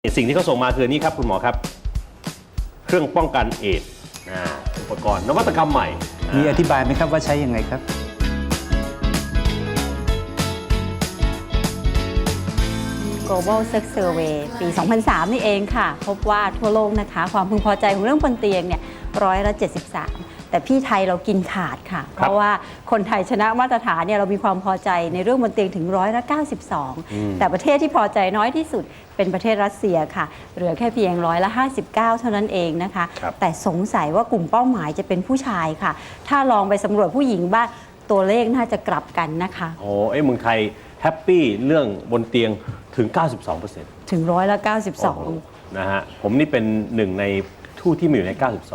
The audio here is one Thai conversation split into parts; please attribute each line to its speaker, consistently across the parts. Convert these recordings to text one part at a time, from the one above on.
Speaker 1: สิ่งที่เขาส่งมาคือนี่ครับคุณหมอครับเครื่องป้องกันเอดส์อุปกรณ์นวัตกรรมใหม่
Speaker 2: มีอธิบายไหมครับว่าใช้ยังไงครับ
Speaker 3: Global Sex Survey ปี 2003 นี่เองค่ะ พบว่าทั่วโลกนะคะความพึงพอใจของเรื่องบนเตียงเนี่ย73%แต่พี่ไทยเรากินขาดค่ะ เพราะว่าคนไทยชนะมาตรฐานเนี่ยเรามีความพอใจในเรื่องบนเตียงถึง92%แต่ประเทศที่พอใจน้อยที่สุดเป็นประเทศรัสเซียค่ะเหลือแค่เพียง59%เท่านั้นเองนะคะแต่สงสัยว่ากลุ่มเป้าหมายจะเป็นผู้ชายค่ะถ้าลองไปสำรวจผู้หญิงบ้างตัวเลขน่าจะกลับกันนะคะ
Speaker 1: โอ้เมืองไทยแฮปปี้เรื่องบนเตียงถึง 92%
Speaker 3: ถึง92%
Speaker 1: นะฮะผมนี่เป็นหนึ่งในทู่ที่มีอยู่ใน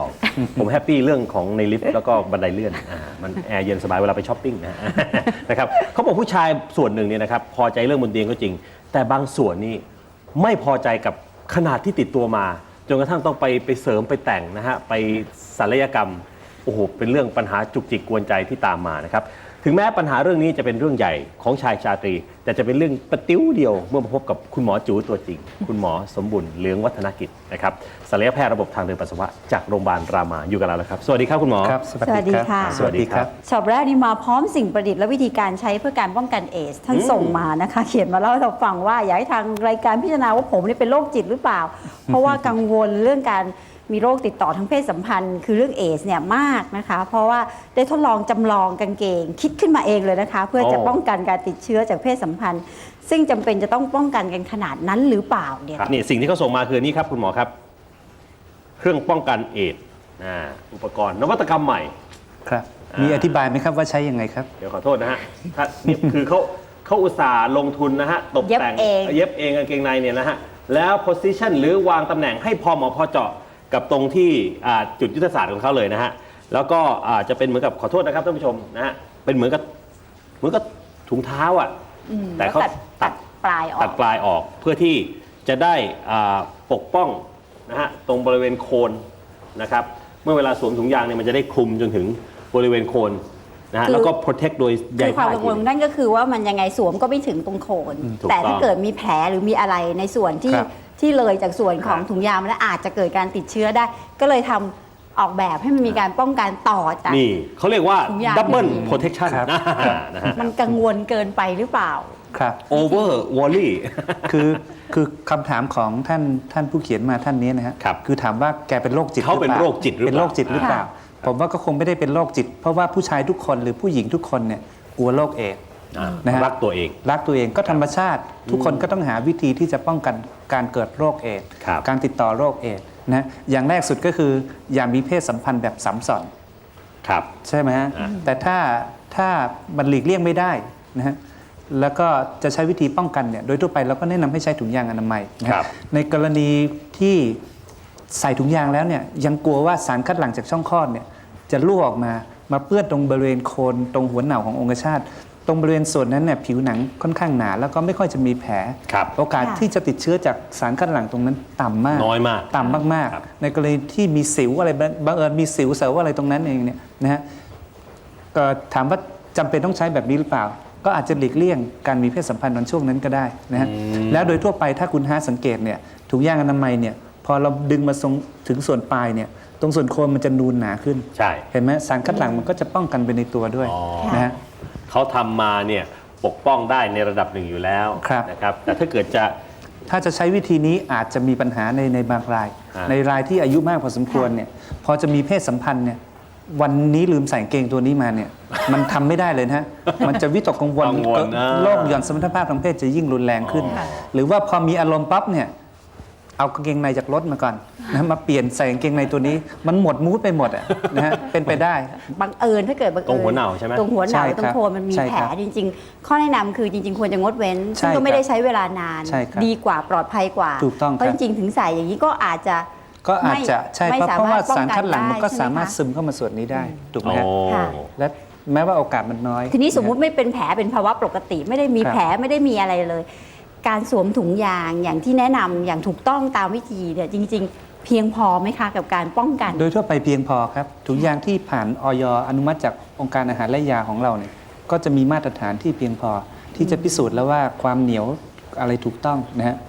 Speaker 1: 92 ผมแฮปปี้เรื่องของในลิฟต์แล้วก็บันไดเลื่อนมันแอร์เย็นสบายเวลาไปช้อปปิ้งนะครับเขาบอกผู้ชายส่วนหนึ่งเนี่ยนะครับพอใจเรื่องบนเตียงก็จริงแต่บางส่วนนี่ไม่พอใจกับขนาดที่ติดตัวมาจนกระทั่งต้องไปเสริมไปแต่งนะฮะไปศัลยกรรมโอ้โหเป็นเรื่องปัญหาจุกจิกกวนใจที่ตามมานะครับถึงแม้ปัญหาเรื่องนี้จะเป็นเรื่องใหญ่ของชายชาตรีแต่จะเป็นเรื่องประติ้วเดียวเมื่อมาพบกับคุณหมอจู๋ตัวจริงคุณหมอสมบุญเหลืองวัฒนกิจนะครับศัลยแพทย์ระบบทางเดินปัสสาวะจากโรงพยาบาลรามาอยู่กับเราแล้วครับสวัสดีครับคุณหมอ
Speaker 2: ครับ
Speaker 3: สวัสดีค่ะ
Speaker 2: สวัสดีครับ
Speaker 3: ฉบับแรกนี้มาพร้อมสิ่งประดิษฐ์และวิธีการใช้เพื่อการป้องกันเอดส์ท่านส่งมานะคะเขียนมาเล่าให้เราฟังว่าอยากให้ทางรายการพิจารณาว่าผมนี่เป็นโรคจิตหรือเปล่า เพราะว่ากังวลเรื่องการมีโรคติดต่อทางเพศสัมพันธ์คือเรื่องเอดส์เนี่ยมากนะคะเพราะว่าได้ทดลองจำลองกางเกงคิดขึ้นมาเองเลยนะคะเพื่อจะป้องกันการติดเชื้อจากเพศสัมพันธ์ซึ่งจำเป็นจะต้องป้องกันกันขนาดนั้นหรือเปล่าเนี่ย
Speaker 1: นี่สิ่งที่เขาส่งมาคือนี่ครับคุณหมอครับเครื่องป้องกันเอดส์อุปกรณ์นวัตกรรมใหม่
Speaker 2: ครับมีอธิบายไหมครับว่าใช้ยังไงครับ
Speaker 1: เดี๋ยวขอโทษนะฮะนี่คือเขาอุตส่าห์ลงทุนนะฮะตกแต่งเย็บเองกางเกงในเนี่ยนะฮะแล้ว position หรือวางตำแหน่งให้พอเหมาะพอเจาะกับตรงที่จุดยุทธศาสตร์ของเขาเลยนะฮะแล้วก็จะเป็นเหมือนกับขอโทษนะครับท่านผู้ชมนะฮะเป็นเหมือนกับถุงเท้าแต่เขาตัด
Speaker 3: ปลาย
Speaker 1: ออกเพื่อที่จะได้ปกป้องนะฮะตรงบริเวณโคนนะครับเมื่อเวลาสวมถุงยางเนี่ยมันจะได้คลุมจนถึงบริเวณโคนนะฮะแล้วก็ protect โดยใยผ้า
Speaker 3: ความกังวลนั่นก็คือว่ามันยังไงสวมก็ไม่ถึงตรงโคนแต่ถ้าเกิดมีแผลหรือมีอะไรในส่วนที่เลยจากส่วนของถุงยางแล้วอาจจะเกิดการติดเชื้อได้ก็เลยทำออกแบบให้มันมีการป้องกันต่อจาก
Speaker 1: นี่เขาเรียกว่า double protection
Speaker 3: นะฮะมันกังวลเกินไปหรือเปล่า
Speaker 2: ครับ
Speaker 1: over worry
Speaker 2: คือคำถามของท่านผู้เขียนมาท่านนี้นะฮะคือถามว่าแกเป็นโรคจิต
Speaker 1: เขาเป็นโรคจิตหรือเปล่า
Speaker 2: เป็นโรคจิตหรือเปล่าผมว่าก็คงไม่ได้เป็นโรคจิตเพราะว่าผู้ชายทุกคนหรือผู้หญิงทุกคนเนี่ยกลัวโรคเอดส์
Speaker 1: นะฮะรักตัวเ
Speaker 2: องก็ธรรมชาติทุกคนก็ต้องหาวิธีที่จะป้องกันการเกิดโรคเอดส์การติดต่อโรคเอดส์นะอย่างแรกสุดก็คืออย่ามีเพศสัมพันธ์แบบซ้ำซ้อนใช่ไหมฮะแต่ถ้ามันหลีกเลี่ยงไม่ได้นะฮะแล้วก็จะใช้วิธีป้องกันเนี่ยโดยทั่วไปเราก็แนะนำให้ใช้ถุงยางอนามัยในกรณีที่ใส่ถุงยางแล้วเนี่ยยังกลัวว่าสารคัดหลั่งจากช่องคลอดเนี่ยจะรั่วออกมาเปื้อนตรงบริเวณโคนตรงหัวเหน่าขององคชาตตรงบริเวณส่วนนั้นเนี่ยผิวหนังค่อนข้างหนาแล้วก็ไม่ค่อยจะมีแผลโอกาสที่จะติดเชื้อจากสารคัดหลั่งตรงนั้นต่ำมาก
Speaker 1: น้อยมาก
Speaker 2: ต่ำมากๆในกรณีที่มีสิวอะไรบังเอิญมีสิวเสวอะไรตรงนั้นเองเนี่ยนะฮะก็ถามว่าจำเป็นต้องใช้แบบนี้หรือเปล่าก็อาจจะหลีกเลี่ยงการมีเพศสัมพันธ์ในช่วงนั้นก็ได้นะฮะแล้วโดยทั่วไปถ้าคุณสังเกตเนี่ยถุงยางอนามัยเนี่ยพอเราดึงมาถึงส่วนปลายเนี่ยตรงส่วนโคนมันจะนูนหนาขึ้น
Speaker 1: ใช่
Speaker 2: เห็นไหมสารคัดหลั่งมันก็จะป้องกันไปในตัวด้วยนะฮะ
Speaker 1: เขาทำมาเนี่ยปกป้องได้ในระดับหนึ่งอยู่แล้วนะครับแต่ถ้าเกิด
Speaker 2: ถ้าจะใช้วิธีนี้อาจจะมีปัญหาในบางรายในรายที่อายุมากพอสมควรเนี่ยพอจะมีเพศสัมพันธ์เนี่ยวันนี้ลืมใส่เกงตัวนี้มาเนี่ยมันทำไม่ได้เลยนะมันจะวิตกกังวลโรคหย่อนสมรรถภาพทางเพศจะยิ่งรุนแรงขึ้นหรือว่าพอมีอารมณ์ปั๊บเนี่ยเอากางเกงในจากรถมาก่อนนะมาเปลี่ยนใส่กางเกงในตัวนี้มันหมดมูดไปหมดนะฮะเป็นไปได้
Speaker 3: บังเอิญถ้าเกิดบังเอิญ
Speaker 1: ตรงหัวเหน่าใช่ไหม
Speaker 3: ตรงหัวเหน่าตรงโคนมันมีแผลจริงๆข้อแนะนำคือจริงๆควรจะงดเว้นซึ่งก็ไม่ได้ใช้เวลานานดีกว่าปลอดภัยกว่าเพราะจริงๆถึงใส่อย่างนี้ก็อาจจะ
Speaker 2: ใช่เพราะว่าสารคัดหลั่งมันก็สามารถซึมเข้ามาส่วนนี้ได้ถูกไหมและแม้ว่าโอกาสมันน้อย
Speaker 3: ทีนี้สมมุติไม่เป็นแผลเป็นภาวะปกติไม่ได้มีแผลไม่ได้มีอะไรเลยการสวมถุงยางอย่างที่แนะนำอย่างถูกต้องตามวิธีเนี่ยจริงๆเพียงพอไหมคะกับการป้องกัน
Speaker 2: โดยทั่วไปเพียงพอครับถุงยางที่ผ่านอย.อนุมัติจากองค์การอาหารและยาของเราเนี่ยก็จะมีมาตรฐานที่เพียงพอที่จะพิสูจน์แล้วว่าความเหนียวอะไรถูกต้องนะฮะ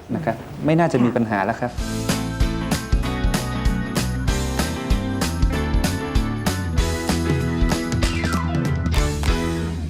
Speaker 2: นะครับไม่น่าจะมีปัญหาแล้วครับ